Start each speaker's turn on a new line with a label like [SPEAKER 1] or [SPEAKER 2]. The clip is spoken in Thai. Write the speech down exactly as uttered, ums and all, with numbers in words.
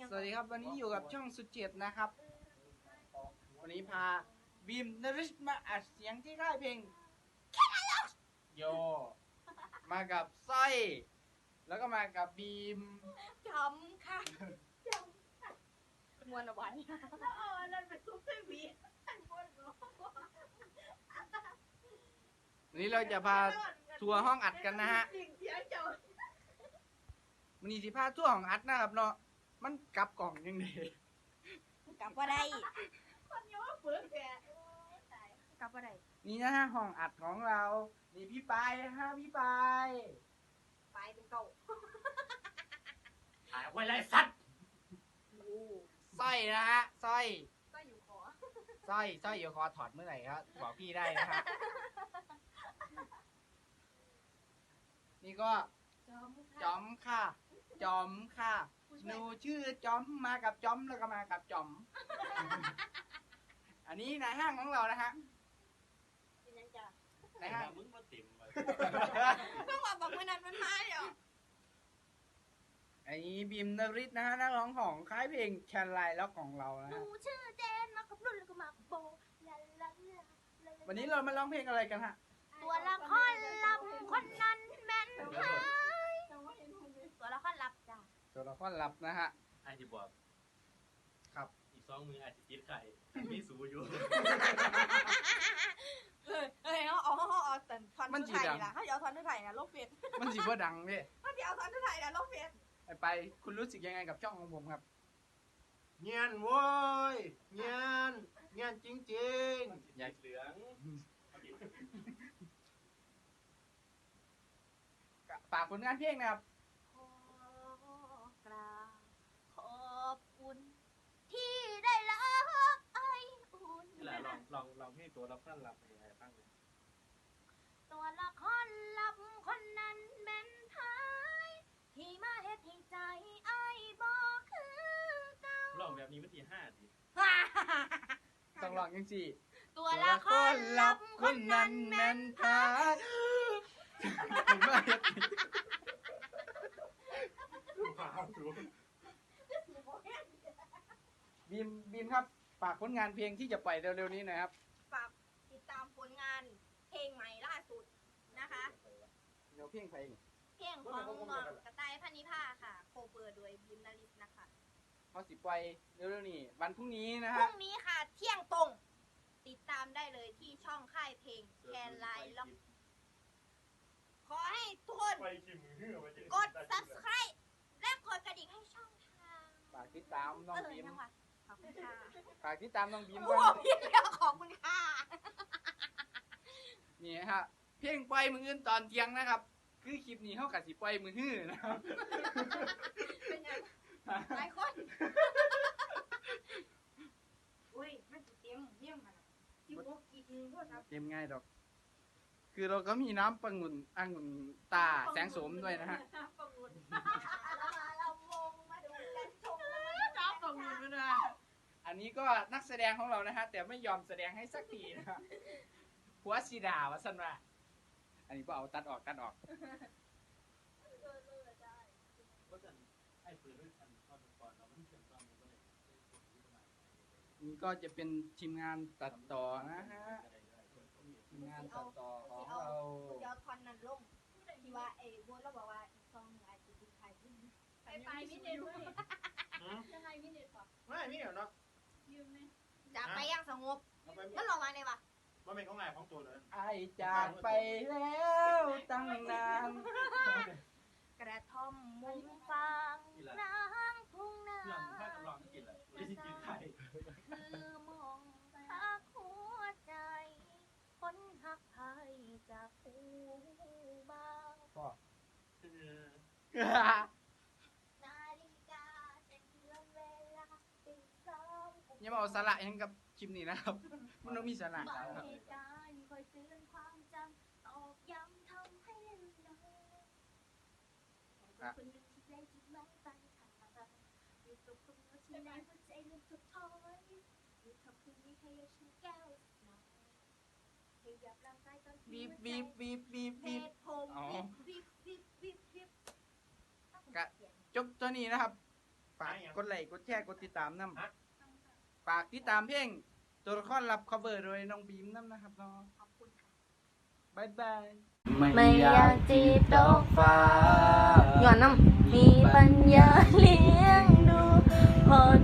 [SPEAKER 1] สวัสดีครับวันนี้อยู่กับช่องสุดเจ็ดนะครับวันนี้พาบีมนริชมาอัดเสียงที่ค่ายเพลงโยมากับสร้อยแล้วก็มากับบีม
[SPEAKER 2] จำค่ะจำค่ะมวนเอาไว้แล้วเอาอันนั้นไปซุปเปอร์วีมวนเนาะ
[SPEAKER 1] วันนี้เราจะพาทัวร์ห้องอัดกันนะฮะ
[SPEAKER 2] สิ่งเสียงเจ้า
[SPEAKER 1] วันนี้สิพาทัวร์ห้องอัดนะครับเนาะมันกลับกล่องยังไง
[SPEAKER 2] กลับว่าได้คนเยอะฝืนแกกลับว่าได้
[SPEAKER 1] นี่นะฮะห้องอัดของเรานี่พี่ปายนะฮะพี่ปาย
[SPEAKER 2] ไปเป็นเก่า
[SPEAKER 3] หายไว้ไรสัตว์
[SPEAKER 2] โอ้
[SPEAKER 1] สร้อยนะฮะสร้อย
[SPEAKER 2] ก็อยู่ขอ
[SPEAKER 1] สร้อยสร้อยอยู่คอถอดเมื่อไหร่ครับบอกพี่ได้นะฮะนี่ก็
[SPEAKER 2] จอม
[SPEAKER 1] จอมค่ะ จอมค่ะหนูชื่อจอมมากับจอมแล้วก็มากับจอม อันนี้นายห้างของเรานะฮะ
[SPEAKER 2] เป็นยังจ้ะ
[SPEAKER 1] นายห้าง
[SPEAKER 3] มึงมาติ่มมา
[SPEAKER 2] เพิ่งว่าบอกเมื่อนั้นมันมาเดี๋ยว
[SPEAKER 1] อันนี้บีมนริศนะฮะนักร้องของค่ายเพลงแคนไลน์แล้วของเรานะ
[SPEAKER 2] หนู
[SPEAKER 1] ฮะ
[SPEAKER 2] ชื่อเจนมากับรุ่นแล้วก็มากับโบลาลาลา
[SPEAKER 1] วันนี้เรามาร้องเพลงอะไรกันฮะ
[SPEAKER 2] ตัวละครลับคนนั้นแม่นหายตัวละครลับจ้ะ
[SPEAKER 1] ตัวละครลับนะฮะ
[SPEAKER 3] ไอ้ที่บอก
[SPEAKER 1] ครับ
[SPEAKER 3] อีกสองมืออาจจะติดไข่มีสูอยู่
[SPEAKER 2] เออเออเอาเอาเอาเอาแต่ทอนทุไทยนะเขาเอาทอนทุไทยนะโลกเฟส
[SPEAKER 1] มันสิบ่ดังเด้
[SPEAKER 2] เขาเอาทอนทุไทยนะโลกเฟส
[SPEAKER 1] ไปไปคุณรู้สึกยังไงกับช่องของผมครับ
[SPEAKER 4] เงียนโว้ยเงียนเงียนจริง
[SPEAKER 3] อยากเหลือง
[SPEAKER 1] ฝากผลงานเพลงนะครับ
[SPEAKER 2] ขอกราบขอบคุณ ที่ได้ละไออุ่น
[SPEAKER 3] นี่แหละลองลองลองให้ตัวเราขั้นรับไปให้ฟังเลย
[SPEAKER 2] ตัวละครลับคนนั้นแม่นไทยที่มาเฮ็ดให้ใจไอ้บอกคือเก่า
[SPEAKER 3] ลองแบบนี้วันที่ห้าดิ
[SPEAKER 1] ต้องร้องยังสิ
[SPEAKER 2] ตัวละครลับคนนั้นแม่นไทย
[SPEAKER 1] ผมว่าเฮ็ด บีมบีมครับฝากผลงานเพลงที่จะปล่อยเร็วๆนี้หนะครับ
[SPEAKER 2] ฝากติดตามผลงานเพลงใหม่ล่าสุดนะคะ
[SPEAKER 1] เดี๋ยวเพลงไปนี่
[SPEAKER 2] เพลงของน้องกระต่ายพันนิพาค่ะ โคเวอร์โดยบิมนาริสนะคะ
[SPEAKER 1] เขาสิปล่อยเร็วๆนี้วันพรุ่งนี้นะ
[SPEAKER 2] พ
[SPEAKER 1] ฮะ
[SPEAKER 2] รุ่งนี้ค่ะ เที่ยงตรง ติดตามได้เลยที่ช่องค่ายเพลงแคนไลน์ล็อกขอให้ทุกคน
[SPEAKER 3] ไปชิมมือมาเจ
[SPEAKER 2] กด subscribe และกดกระดิ่งให้ช่องทาง
[SPEAKER 1] ฝากติดตามน้อง
[SPEAKER 2] เออ
[SPEAKER 1] บีม
[SPEAKER 2] จังหวะขอบคุณค่ะ
[SPEAKER 1] ฝากติดตามน้องบีม
[SPEAKER 2] โอ้
[SPEAKER 1] ก่
[SPEAKER 2] โห
[SPEAKER 1] อน
[SPEAKER 2] พี่เลี้ยวขอบคุณค่ะ
[SPEAKER 1] นี่ฮะเพลงปล่อยมืออื่นตอนเที่ยงนะครับ คือคลิปนี้เท่ากับสิปล่อยมือฮื้อนะครับ
[SPEAKER 2] เป็นยังหลายคนอุ้ยมันจะเตรียมเยี่ยมมันที่พวกกินพวกครับ
[SPEAKER 1] เกมง่ายดอก คือเราก็มีน้ำปังุ่นองุ่นตาแสงโสมด้วยนะฮะ
[SPEAKER 2] ประมูลเรามาเราวงมาดูกันชมน้ำประมูลด้วยนะ
[SPEAKER 1] อันนี้ก็นักแสดงของเรานะฮะแต่ไม่ยอมแสดงให้สักทีนะฮะผัวสีดาวะสันว่าอันนี้ก็เอาตัดออกตัดออก
[SPEAKER 3] ก็จะไอ้ปืนด้วยพันข้อก่อนเราไม่เชื่อมต่อมันก็เลย
[SPEAKER 1] นี่ก็จะเป็นทีมงานตัดต่อนะฮะทีมงานตัดต่อของเรา
[SPEAKER 2] เดี๋ยวทอนนั้นลงที่ว่าไอ้บัวเราบอกว่าอีกซองหลายสิบไทยขึ้น
[SPEAKER 5] ไปไปมิเน็ตด้วยยังไงมิเน็ตปะ
[SPEAKER 4] ๆไม่มีเหรอเนาะ
[SPEAKER 5] ยืมไหม
[SPEAKER 2] จะไปอย่างสงบ
[SPEAKER 4] เอาไป
[SPEAKER 2] มันลงมาเลยปะ
[SPEAKER 4] มันเป็นของไงของตัวเลย
[SPEAKER 1] ไอจากไปแล้วตั้งนาน
[SPEAKER 2] กระท่อมมุมฟางนางทุ่งนา
[SPEAKER 3] เรื่องถ้ากำลังกินแหละไม่ได้กินไข่
[SPEAKER 2] คือมองหักหัวใจ คนหักไทยจากผู้บ่าว
[SPEAKER 1] พ่อ
[SPEAKER 2] นาฬิกาจะเตือนเวลาตีสอง
[SPEAKER 1] อย่ามาเอาสาระยังกับคลิปนี้นะครับ มันต้องมีสาระ
[SPEAKER 2] บาง
[SPEAKER 1] ครับ
[SPEAKER 2] เหตุการณ์คอยเตือนความจำตอกย้ำทำให้ลืมเลือนคนหนึ่งที่ได้จุดหมายปลายทางอยู่กับคนเดียวที่ในหัวใจลืมทุกท้อยอยู่ทำคืนนี้ให้ฉันแก้วหน่อยให้หยับร่างกายตอนที่
[SPEAKER 1] บีบ
[SPEAKER 2] หัวใจ
[SPEAKER 1] บีบบีบบีบ
[SPEAKER 2] เห
[SPEAKER 1] บีบ
[SPEAKER 2] ตุผม
[SPEAKER 1] อ๋อ
[SPEAKER 2] บีบบีบบีบบีบ
[SPEAKER 1] กะ จบตัวนี้นะครับฝากกดไลค์กดแชร์กดติดตามน้ำฝากติดตามเพลงตัวละครรับ cover โดยน้องบีมน้ำนะครับเนาะ
[SPEAKER 2] ขอบคุณค่ะ
[SPEAKER 1] บายบาย
[SPEAKER 2] ไม่อยากจีบดอกฟ้าย้อนน้ำมีปัญญาเลี้ยงดูพอ